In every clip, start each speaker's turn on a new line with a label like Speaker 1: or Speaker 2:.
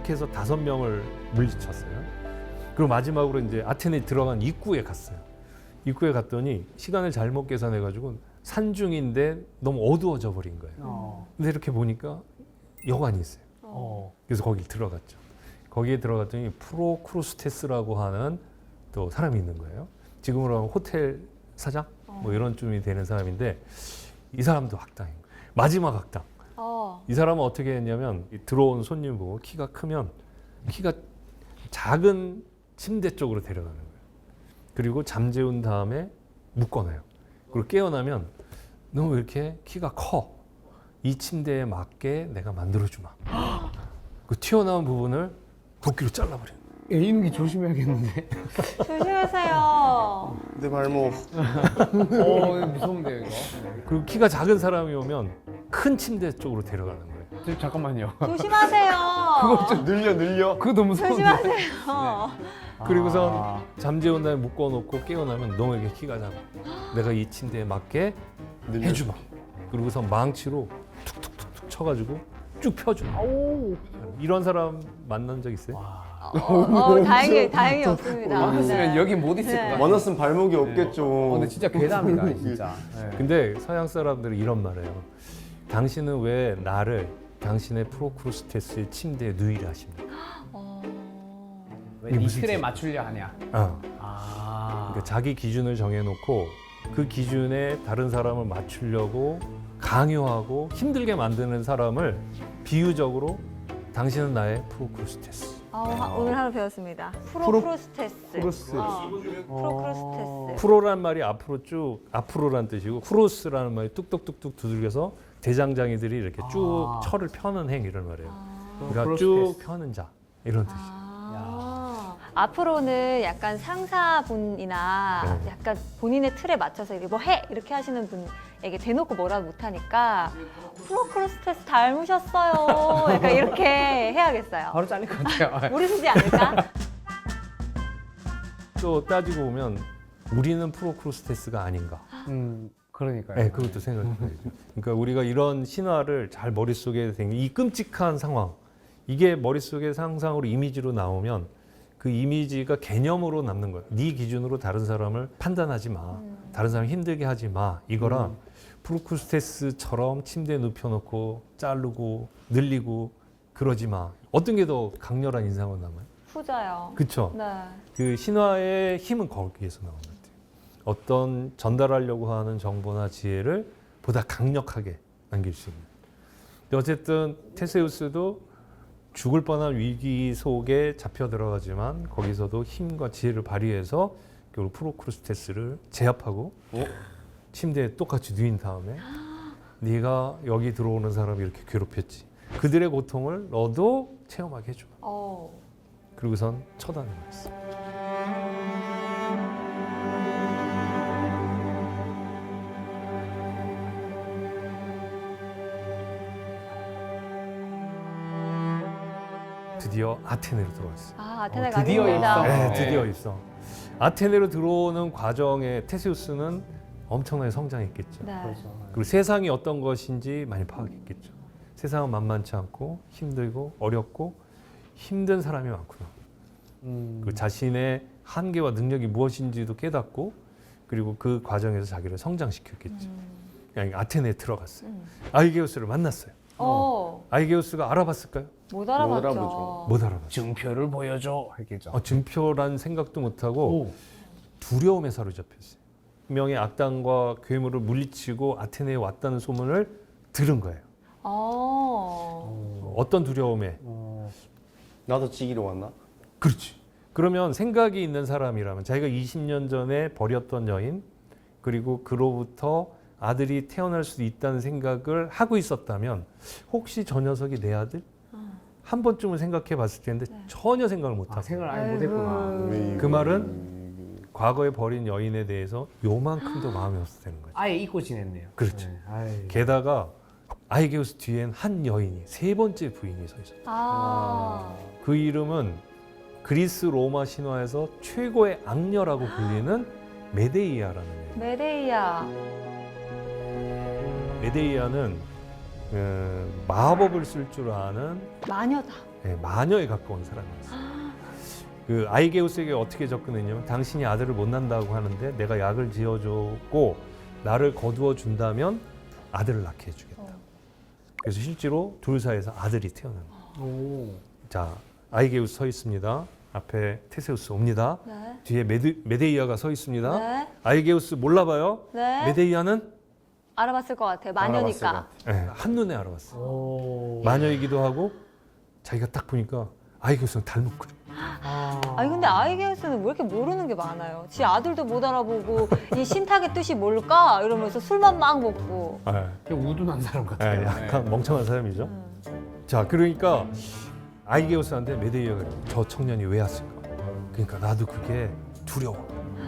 Speaker 1: 약해서 5명을 물리쳤어요. 그리고 마지막으로 이제 아테네에 들어간 입구에 갔어요. 입구에 갔더니 시간을 잘못 계산해가지고 산중인데 너무 어두워져 버린 거예요. 근데 이렇게 보니까 여관이 있어요. 그래서 거기 들어갔죠. 거기에 들어갔더니 프로크루스테스라고 하는 또 사람이 있는 거예요. 지금으로 하면 호텔 사장 뭐 이런 쯤이 되는 사람인데 이 사람도 악당인 거예요. 마지막 악당. 이 사람은 어떻게 했냐면 들어온 손님 보고 키가 크면 키가 작은 침대 쪽으로 데려가는 거예요. 그리고 잠재운 다음에 묶어놔요. 그리고 깨어나면 너 왜 이렇게 키가 커? 이 침대에 맞게 내가 만들어주마. 그 튀어나온 부분을 도끼로 잘라버려요.
Speaker 2: 이놈이 조심해야겠는데.
Speaker 3: 조심하세요.
Speaker 4: 내 발목.
Speaker 2: 이거 무서운데요, 이거.
Speaker 1: 그리고 키가 작은 사람이 오면 큰 침대 쪽으로 데려가는 거예요.
Speaker 2: 잠깐만요.
Speaker 3: 조심하세요.
Speaker 2: 그거 좀
Speaker 4: 늘려.
Speaker 2: 그거 너무 무서운데.
Speaker 3: 조심하세요.
Speaker 1: 그리고선 잠재운 다음에 묶어놓고 깨어나면 너에게 키가 작아. 내가 이 침대에 맞게 해주마. 그리고선 망치로 툭툭툭툭 쳐가지고 쭉 펴주마. 이런 사람 만난 적 있어요?
Speaker 3: 다행히 없습니다.
Speaker 2: 많았으면
Speaker 3: 네.
Speaker 2: 여기 못 있을 것 같아요.
Speaker 4: 원했으면 발목이 없겠죠.
Speaker 2: 근데 진짜 괴담이다, 진짜. 네.
Speaker 1: 근데 서양 사람들은 이런 말을 해요. 당신은 왜 나를 당신의 프로크루스테스의 침대에 누이려 하십니까?
Speaker 2: 왜 이 틀에 맞추려 하냐?
Speaker 1: 그러니까 자기 기준을 정해놓고 그 기준에 다른 사람을 맞추려고 강요하고 힘들게 만드는 사람을 비유적으로 당신은 나의 프로크루스테스.
Speaker 3: 오늘 하루 배웠습니다. 프로크루스테스. 프로크루스테스.
Speaker 1: 프로란 말이 앞으로 쭉 앞으로란 뜻이고 크로스라는 말이 뚝뚝뚝뚝 두들겨서 대장장이들이 이렇게 쭉 철을 펴는 행위를 말해요. 그러니까 쭉 펴는 자 이런 뜻이에요.
Speaker 3: 앞으로는 약간 상사분이나
Speaker 1: 네.
Speaker 3: 약간 본인의 틀에 맞춰서 이렇게 뭐 해! 이렇게 하시는 분에게 대놓고 뭐라도 못하니까 프로크루스테스 닮으셨어요. 약간 이렇게 해야겠어요.
Speaker 2: 바로 잘릴 것 같아요.
Speaker 3: 모르시지 않을까?
Speaker 1: 또 따지고 보면 우리는 프로크루스테스가 아닌가.
Speaker 2: 그러니까요.
Speaker 1: 네, 그것도 생각해야죠. 그러니까 우리가 이런 신화를 잘 머릿속에 생긴 이 끔찍한 상황, 이게 머릿속에 상상으로 이미지로 나오면 그 이미지가 개념으로 남는 거예요. 네 기준으로 다른 사람을 판단하지 마. 다른 사람 힘들게 하지 마. 이거랑 프로크루스테스처럼 침대에 눕혀놓고 자르고 늘리고 그러지 마. 어떤 게 더 강렬한 인상으로 남아요?
Speaker 3: 후자요.
Speaker 1: 그렇죠.
Speaker 3: 네.
Speaker 1: 그 신화의 힘은 거기에서 나오는 것 같아요. 어떤 전달하려고 하는 정보나 지혜를 보다 강력하게 남길 수 있는. 근데 어쨌든 테세우스도 죽을 뻔한 위기 속에 잡혀 들어가지만 거기서도 힘과 지혜를 발휘해서 결국 프로크루스테스를 제압하고 침대에 똑같이 누인 다음에 네가 여기 들어오는 사람이 이렇게 괴롭혔지. 그들의 고통을 너도 체험하게 해줘. 그리고선 처단을 했어. 드디어 아테네로 들어왔어.
Speaker 3: 아테네
Speaker 2: 드디어
Speaker 3: 가겠습니다.
Speaker 2: 입성.
Speaker 1: 네, 드디어 입성. 아테네로 들어오는 과정에 테세우스는 엄청나게 성장했겠죠.
Speaker 3: 네.
Speaker 1: 그리고 세상이 어떤 것인지 많이 파악했겠죠. 세상은 만만치 않고 힘들고 어렵고 힘든 사람이 많구나. 그 자신의 한계와 능력이 무엇인지도 깨닫고 그리고 그 과정에서 자기를 성장시켰겠죠. 그냥 아테네에 들어갔어요. 아이게우스를 만났어요. 아이게우스가 알아봤을까요?
Speaker 3: 못
Speaker 4: 알아보죠.
Speaker 3: 알아봤죠.
Speaker 1: 못 알아봤어요.
Speaker 2: 증표를 보여줘 했겠죠.
Speaker 1: 증표란 생각도 못하고 두려움에 사로잡혔어요. 분명히 악당과 괴물을 물리치고 아테네에 왔다는 소문을 들은 거예요. 어떤 두려움에?
Speaker 4: 나도 지기로 왔나?
Speaker 1: 그렇지. 그러면 생각이 있는 사람이라면 자기가 20년 전에 버렸던 여인 그리고 그로부터 아들이 태어날 수도 있다는 생각을 하고 있었다면 혹시 저 녀석이 내 아들? 한 번쯤은 생각해 봤을 텐데 전혀 생각을 못 하고
Speaker 2: 생각을 아예 못했구나.
Speaker 1: 그 말은 과거에 버린 여인에 대해서 요만큼도 마음이 없었다는 거죠.
Speaker 2: 아예 잊고 지냈네요.
Speaker 1: 그렇죠.
Speaker 2: 아이.
Speaker 1: 게다가 아이게우스 뒤엔 한 여인이 세 번째 부인이 서 있었다. 그 이름은 그리스 로마 신화에서 최고의 악녀라고 불리는 메데이아라는 애예요.
Speaker 3: 메데이아.
Speaker 1: 메데이아는 마법을 쓸 줄 아는
Speaker 3: 마녀다.
Speaker 1: 마녀에 가까운 사람이었어요. 그 아이게우스에게 어떻게 접근했냐면 당신이 아들을 못 낳는다고 하는데 내가 약을 지어줬고 나를 거두어 준다면 아들을 낳게 해주겠다. 그래서 실제로 둘 사이에서 아들이 태어난 거예요.
Speaker 2: 오.
Speaker 1: 자, 아이게우스 서 있습니다. 앞에 테세우스 옵니다.
Speaker 3: 네.
Speaker 1: 뒤에 메데이아가 서 있습니다.
Speaker 3: 네.
Speaker 1: 아이게우스 몰라봐요.
Speaker 3: 네.
Speaker 1: 메데이아는
Speaker 3: 알아봤을 것 같아요. 마녀니까.
Speaker 1: 한눈에 알아봤어요.
Speaker 2: 오.
Speaker 1: 마녀이기도 하고 자기가 딱 보니까 아이게우스는 닮은 거예요.
Speaker 3: 아니 근데 아이게우스는 왜 이렇게 모르는 게 많아요. 지 아들도 못 알아보고 이 신탁의 뜻이 뭘까 이러면서 술만 막 먹고.
Speaker 2: 그냥 우둔한 사람 같아요.
Speaker 1: 약간 멍청한 사람이죠. 자, 그러니까 아이게우스한테 메데이아가 저 청년이 왜 왔을까? 그러니까 나도 그게 두려워.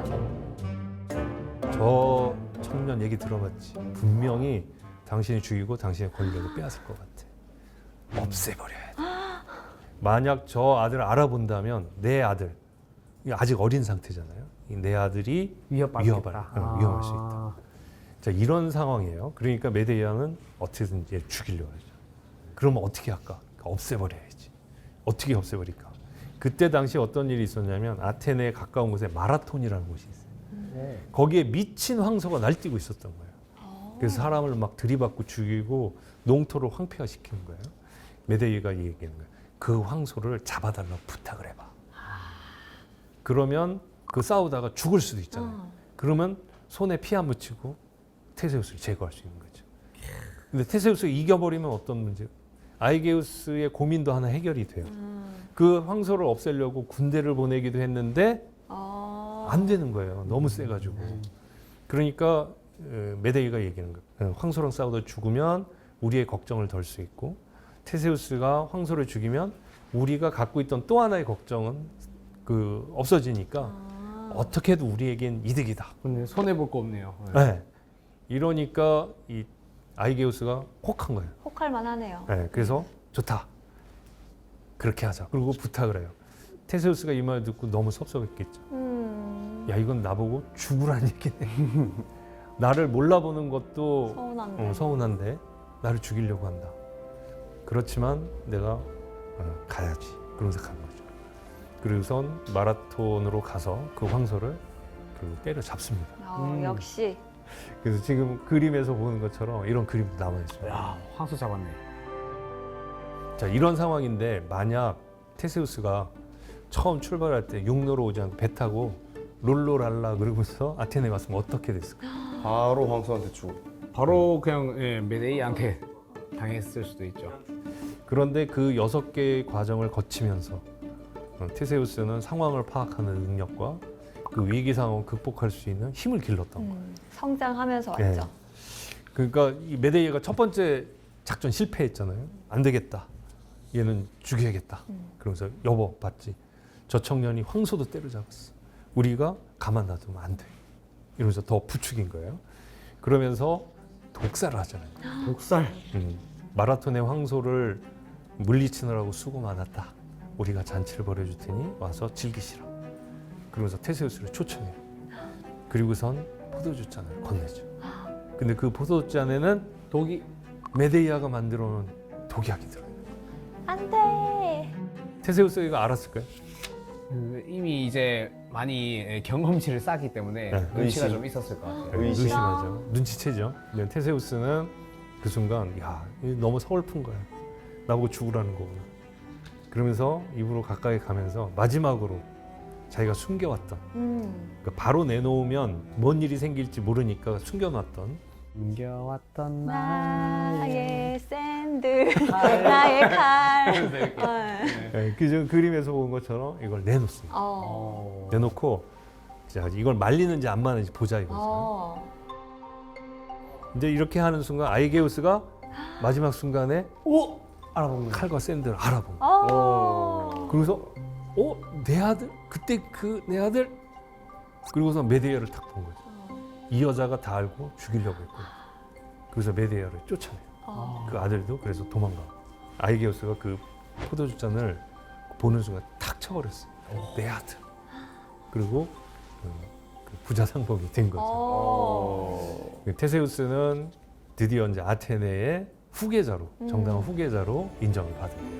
Speaker 1: 저 청년 얘기 들어봤지. 분명히 당신이 죽이고 당신의 권력을 빼앗을 것 같아. 없애버려야 돼. 만약 저 아들을 알아본다면 내 아들, 아직 어린 상태잖아요. 내 아들이 위험할 수 있다. 자, 이런 상황이에요. 그러니까 메데이아는 어떻게든 얘 죽이려고 하죠. 그러면 어떻게 할까? 그러니까 없애버려야지. 어떻게 없애버릴까? 그때 당시 어떤 일이 있었냐면 아테네에 가까운 곳에 마라톤이라는 곳이 있어요. 거기에 미친 황소가 날뛰고 있었던 거예요. 그래서 사람을 막 들이받고 죽이고 농토를 황폐화시키는 거예요. 메데이아가 얘기하는 거예요. 그 황소를 잡아달라고 부탁을 해봐. 그러면 그 싸우다가 죽을 수도 있잖아요. 그러면 손에 피 안 묻히고 테세우스를 제거할 수 있는 거죠. 근데 테세우스가 이겨버리면 어떤 문제? 아이게우스의 고민도 하나 해결이 돼요. 그 황소를 없애려고 군대를 보내기도 했는데 안 되는 거예요. 너무 세가지고. 그러니까 메데이가 얘기하는 거예요. 황소랑 싸우다 죽으면 우리의 걱정을 덜 수 있고 테세우스가 황소를 죽이면 우리가 갖고 있던 또 하나의 걱정은 없어지니까 어떻게 해도 우리에겐 이득이다.
Speaker 2: 근데 손해 볼 거 없네요.
Speaker 1: 네. 이러니까 이 아이게우스가 혹한 거예요.
Speaker 3: 혹할 만하네요.
Speaker 1: 네, 그래서 좋다. 그렇게 하자. 그리고 부탁을 해요. 테세우스가 이 말 듣고 너무 섭섭했겠죠. 야, 이건 나보고 죽으라는 얘기네. 나를 몰라보는 것도
Speaker 3: 서운한데.
Speaker 1: 서운한데 나를 죽이려고 한다. 그렇지만 내가 가야지. 그러면서 간 거죠. 그리고선 마라톤으로 가서 그 황소를 때려 잡습니다.
Speaker 3: 역시.
Speaker 1: 그래서 지금 그림에서 보는 것처럼 이런 그림도 남아 있어요.
Speaker 2: 야, 황소 잡았네.
Speaker 1: 자, 이런 상황인데 만약 테세우스가 처음 출발할 때 육로로 오지 않고 배 타고 롤로랄라 그러면서 아테네 갔으면 어떻게 됐을까?
Speaker 4: 바로 황소한테 주고.
Speaker 2: 바로 그냥 메데이한테 당했을 수도 있죠.
Speaker 1: 그런데 그 6개의 과정을 거치면서 테세우스는 상황을 파악하는 능력과 그 위기 상황을 극복할 수 있는 힘을 길렀던 거예요.
Speaker 3: 성장하면서
Speaker 1: 네.
Speaker 3: 왔죠.
Speaker 1: 그러니까 이 메데이아가 첫 번째 작전 실패했잖아요. 안 되겠다. 얘는 죽여야겠다. 그러면서 여보 봤지? 저 청년이 황소도 때려잡았어. 우리가 가만 놔두면 안 돼. 이러면서 더 부추긴 거예요. 그러면서 독살을 하잖아요.
Speaker 2: 독살.
Speaker 1: 마라톤의 황소를 물리치느라고 수고 많았다. 우리가 잔치를 벌여줄 테니 와서 즐기시라. 그러면서 테세우스를 초청해요. 그리고선 포도주잔을 건네죠. 근데 그 포도주잔에는
Speaker 2: 독이
Speaker 1: 메데이아가 만들어 놓은 독약이 들어요.
Speaker 3: 안 돼.
Speaker 1: 테세우스가 이거 알았을까요?
Speaker 2: 이미 이제 많이 경험치를 쌓기 때문에
Speaker 1: 네.
Speaker 2: 눈치가
Speaker 4: 의심.
Speaker 2: 좀 있었을 것 같아요.
Speaker 4: 의심.
Speaker 1: 의심하죠. 눈치채죠. 근데 테세우스는 그 순간 야, 이거 너무 서글픈 거야. 나보고 죽으라는 거구나. 그러면서 입으로 가까이 가면서 마지막으로 자기가 숨겨왔던 그러니까 바로 내놓으면 뭔 일이 생길지 모르니까 숨겨놨던
Speaker 2: 숨겨왔던
Speaker 3: 나의 샌들, 나의 칼.
Speaker 1: 그 그림에서 본 것처럼 이걸 내놓습니다. 내놓고 자, 이걸 말리는지 안 말리는지 보자 이거죠. 이제 이렇게 하는 순간 아이게우스가 마지막 순간에
Speaker 2: 알아본 거예요.
Speaker 1: 칼과 샌들을 알아본 거예요. 그러면서 내 아들? 그때 그 내 아들? 그리고서 메데이아를 딱 본 거죠. 이 여자가 다 알고 죽이려고 했고 그래서 메데이아를 쫓아내요. 그 아들도 그래서 도망가. 아이게우스가 그 포도주잔을 보는 순간 탁 쳐버렸어요. 내 아들. 그리고 그 부자상봉이 된 거죠. 테세우스는 드디어 이제 아테네에 후계자로 정당한 후계자로 인정을 받은 거예요.